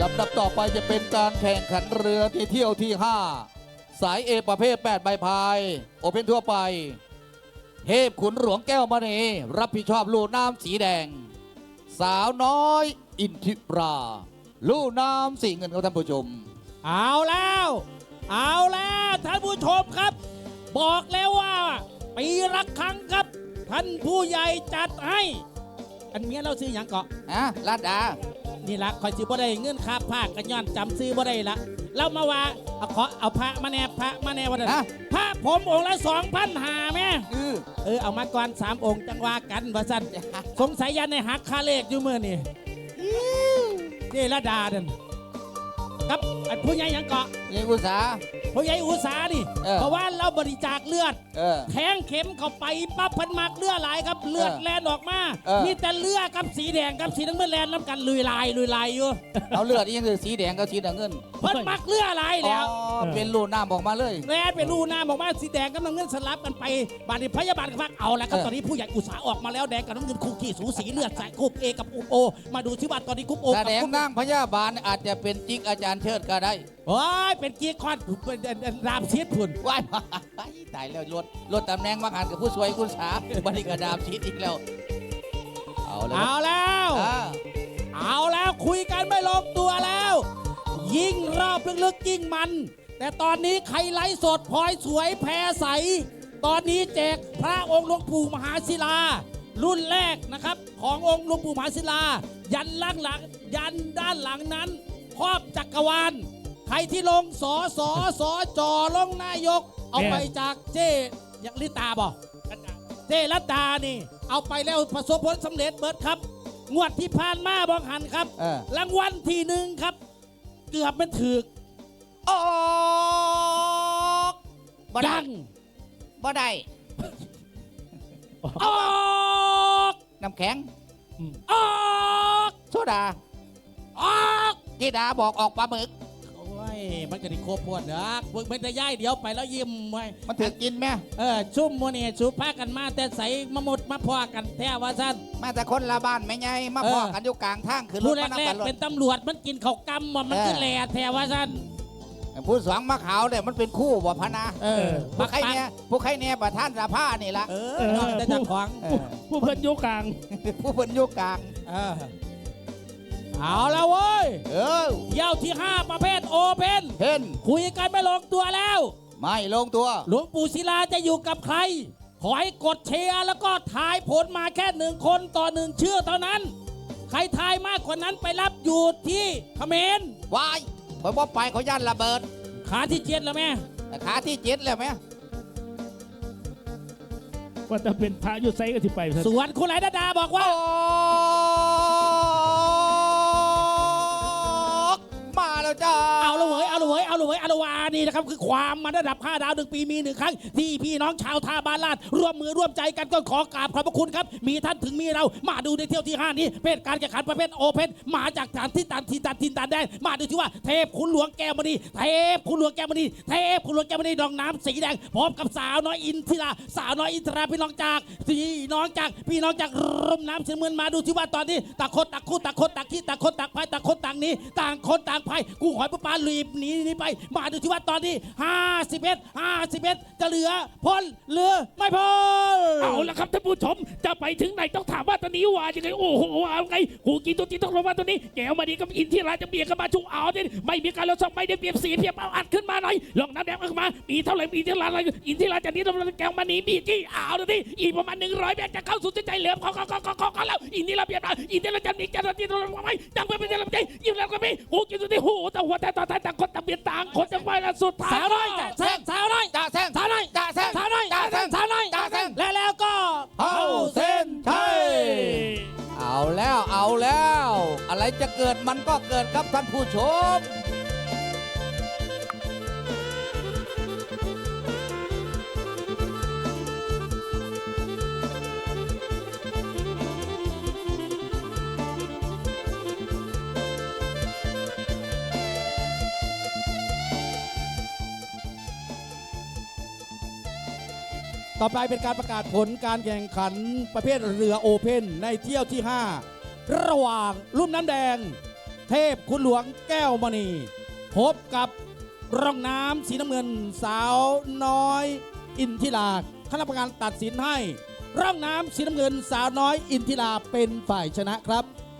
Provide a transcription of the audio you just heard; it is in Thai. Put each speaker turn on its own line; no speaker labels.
ลำดับต่อไปจะเป็นการแข่งขันเรือที่เที่ยวที่ 5 สายเอประเภท 8 ใบพายโอเพ่นทั่วไปเทพขุนหลวงแก้วมณีรับผิดชอบลู่น้ำสีแดง สาวน้อยอินทิราลู่น้ำสีเงินครับท่านผู้ชม
เอาแล้วท่านผู้ชมครับ บอกแล้วว่าปีละครั้งครับท่านผู้ใหญ่จัดให้ อันเมียเราซื้ออย่างเกาะ
ลาดดา
นี่ละคอยซื้อบ่ได้เงื่อนค่าผ้ากันย้อนจำซื้อบ่ได้ละเรามาว่าเอาพระมาแน่วันนั้นพระผมองค์ละ2,500แม่เอามาก่อน3 องค์จังว่ากันว่าสั้นสงสัยยันในหักค่าเลขอยู่เมื่อนี่นี่ละดาเด่นครับอันผู้ใหญ่ยังเกาะ
ยังอุตสา
ผู้ใหญ่อุตสานี่เพราะว่าเราบริจาคเลือดแทงเข็มเข้าไปปั๊บพันมากเลือดไหลครับเลือดแลนออกมามีแต่เลือดกับสีแดงกับสีน้ำเงินแลนน้ำกันลุยลายอยู่
เอาเลือดยังคือสีแดงกับสีน้ำเงิน
เพิ่นมักเลือดไหลแล้ว
เป็นลู่น้ำออกมาเลย
แลนเป็นรูน้ำออกมาสีแดงกับน้ำเงินสลับกันไปบาดนี้พยาบาลก็พักเอาแล้วครับตอนนี้ผู้ใหญ่อุตสาออกมาแล้วแดงกับน้ำเงินคู่ขี้สูสีเลือดใส่กรุ๊ปเอกับกรุ๊ปโอมาดูที่ว่าตอนนี้กรุ๊ปโอ
แสดงนั่งพยาบาลอาจจะเป็นจิ๊กอาจารย์เชิดก็ได้
โอ้ยเป็นกีคอนเป็นรามเชียดพุ่น
ว้ายตายแล้วลดตำแหน่งมาหันกับผู้สวยคุณสาบันนี้กระดาบชีดอีกแล้วเอา
แล้วคุยกันไม่ลงตัวแล้ว ยิ่งรอบลึกๆยิ่งมัน แต่ตอนนี้ใครไลฟ์สดพลอยสวยแพรใสตอนนี้แจกพระองค์หลวงปู่มหาศิลารุ่นแรกนะครับขององค์หลวงปู่มหาศิลายันด้านหลังนั้นครอบจักรวาลใครที่ลงสจลงนายกเอาไปจากเจ๊ยังลิตาบอกเจ๊รัตดานี่เอาไปแล้วประสบผลสำเร็จเบิดครับงวดที่ผ่านมาบอกหันครับรางวัลที่1ครับเกือบมันถึก
ออก
ดัง
บ่ได้
ออก
น้ำแข็ง
ออก
โซดา
ออก
จีดาบอกออกปลาหมึก
โอ้ยมันจะได้โคบพวดเด้อมันจะย่ายเดี๋ยวไปแล้วยิ้มไว้
มันถือกินไหม
ชุ่มโมเน่ชูพากันมาแต่ใสมาหมดมาพอกันแท้ว่าสั้น
มาแต่คนละบ้านไม่ไงมาพอกันอยู่กลางทางคือรถ
มาแรกเป็นตำรวจมันกินข้าวกำมันขึ้นแหล่แท้ว่าสั้น
ผู้สองมาขาวเนี่ยมันเป็นคู่บ่พนาผู้ใครเนี่ยประธานสภานี่ละ
แต่จากของ
ผู้เพิ่นโยกกลาง
ผู้เพิ่นโยกกลาง
เอาแล้วเว้ยเย้าที่5ประเภทโอเพ่นคุยกันไม่ลงตัวแล้ว
ไม่ลงตัว
หลวงปู่ศิลาจะอยู่กับใครขอให้กดเชียร์แล้วก็ทายผลมาแค่1 คนต่อ1ชื่อเท่านั้นใครทายมากกว่านั้นไปรับอยู่ที่เขมร
วายพอไปเขาย่านระเบิด
ขาที่7แล้วแม่
ขาที่7แล้วแม่
ว่าจะเป็นพระยุทธไซก็ที่ไป
ส่วนคุณไหลดาบอกว่า
มาแล้วจ้า
เอาละเว้ยนี่นะครับคือความมันระดับ5 ดาว1 ปีมี1 ครั้งที่พี่น้องชาวท่าบ้านลาดร่วมมือร่วมใจกันก็ขอกราบขอบพระคุณครับมีท่านถึงมีเรามาดูในเที่ยวที่5นี้เป็นการแข่งขันประเภทโอเพ่นมาจากฐานที่ตันแดนมาดูที่ว่าเทพขุนหลวงแก้วมณีดองน้ำสีแดงพร้อมกับสาวน้อยอินทิราพี่น้องจากร่มน้ำสีเมือนมาดูที่ว่าตอนนี้ต่างคนต่างคู่ต่างคนต่างขี้ต่างคนต่างพายต่างคนต่างนี้ต่างคนต่างพายกูหอยปลาลีบหนีไปมาดูที่ว่าตอนนี้51จะเหลือพ้นหรือไม่พ้น
เอาละครับท่านผู้ชมจะไปถึงไหนต้องถามว่าตอนนี้ว่ายังไงโอ้โหเอาไงหูกินตัวจริงต้องรู้ว่าตัวนี้แก้วมาดีกับอินทิราจะเบียดกันมาชุกเอาเนี่ยไม่มีการลดสองไม่ได้เปรียบเสียเพียบเอาอัดขึ้นมาหน่อยลองน้ำแดงขึ้นมามีเท่าไหร่อินทิราจะนี้ต้องแก้วมานีมีจี้เอาดูที่อีกประมาณ100 เมตรจะเข้าสู่ใจเหลือเขาแล้วอินทิราเบียดมาอินทิราจะมีจะไม่จังไปเป็นจะใจยิ้มแล้วก็ไม่หูกินตัวที่หูแต่หัวแต่ต่างคนต่างเบียดต่างคนจะไปละสุดท้าย
สาวน้อยแล้วก็
เข้าเส้นชัยเอาแล้วอะไรจะเกิดมันก็เกิดครับท่านผู้ชม
ต่อไปเป็นการประกาศผลการแข่งขันประเภทเรือโอเพ่นในเที่ยวที่5ระหว่างลุ่มน้ำแดงเทพคุณหลวงแก้วมณีพบกับร่องน้ำสีน้ำเงินสาวน้อยอินทิราคณะกรรมการตัดสินให้ร่องน้ำสีน้ำเงินสาวน้อยอินทิราเป็นฝ่ายชนะครับ